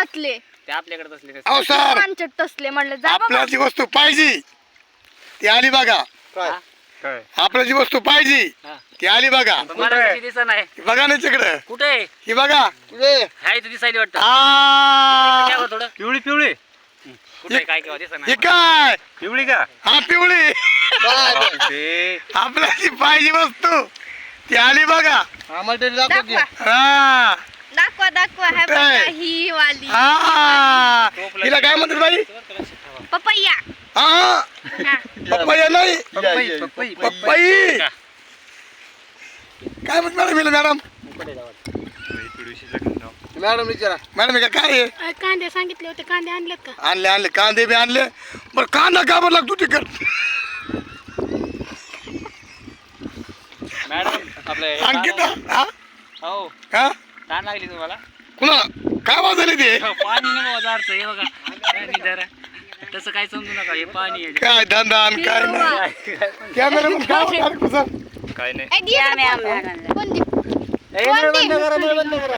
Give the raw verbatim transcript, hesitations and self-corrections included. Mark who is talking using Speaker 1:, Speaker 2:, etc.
Speaker 1: घातले
Speaker 2: ते आपल्याकडे असले
Speaker 3: अहो सर
Speaker 1: पांचट तसले म्हणलं जा बाबा.
Speaker 3: आपल्याला जी वस्तू पाहिजे ती आली बघा.
Speaker 2: काय
Speaker 3: आपल्याला जी वस्तू पाहिजे ती आली बघा.
Speaker 2: मला कशी दिसत नाही
Speaker 3: बघा ना तिकडं
Speaker 2: कुठे
Speaker 3: ही बघा.
Speaker 2: हाय तर दिसायली वाटतं
Speaker 3: आ,
Speaker 2: काय बघ थोडं
Speaker 4: पिवळी पिवळी
Speaker 2: कुठे काय केव्हा दिसत
Speaker 3: हे
Speaker 2: नाही
Speaker 3: काय
Speaker 4: पिवळी का
Speaker 3: हा पिवळी
Speaker 4: ते
Speaker 3: आपल्याला जी पाहिजे वस्तू ती आली बघा.
Speaker 1: दाखवा
Speaker 3: हा
Speaker 1: दाखवा दाखवा हे
Speaker 3: कुठे?
Speaker 1: बघा ही वाली
Speaker 3: हा हिला काय म्हणतात बाई?
Speaker 1: पपैया
Speaker 3: हा
Speaker 1: हा.
Speaker 3: पपया नाही
Speaker 2: पपई, पपई,
Speaker 3: पपई काय म्हणत मॅडम हिला मॅडम
Speaker 5: मॅडम विचारा
Speaker 3: मॅडम हे काय आहे?
Speaker 6: अ, कांदे सांगितले होते कांदे आणलेत का
Speaker 3: आणले आणले कांदे बी आणले बरं कांदा का बरं लागतो तिकड
Speaker 2: मॅडम आपलं
Speaker 3: अंकिता हा
Speaker 2: हो
Speaker 3: हा
Speaker 2: ताण लागली तुम्हाला
Speaker 3: कुणा काय वाजले ते
Speaker 2: पाणी नाही बाबा जारचं हे बघा काय नाही जरा तसं काय समजू नका हे पाणी आहे
Speaker 3: काय धंदा आणि काय नाही कॅमेरा काय म्हणणार कुसर
Speaker 4: काय नाही
Speaker 1: ए, दे इकडं फोन. फोन दे.
Speaker 2: हे बंद करा बंद करा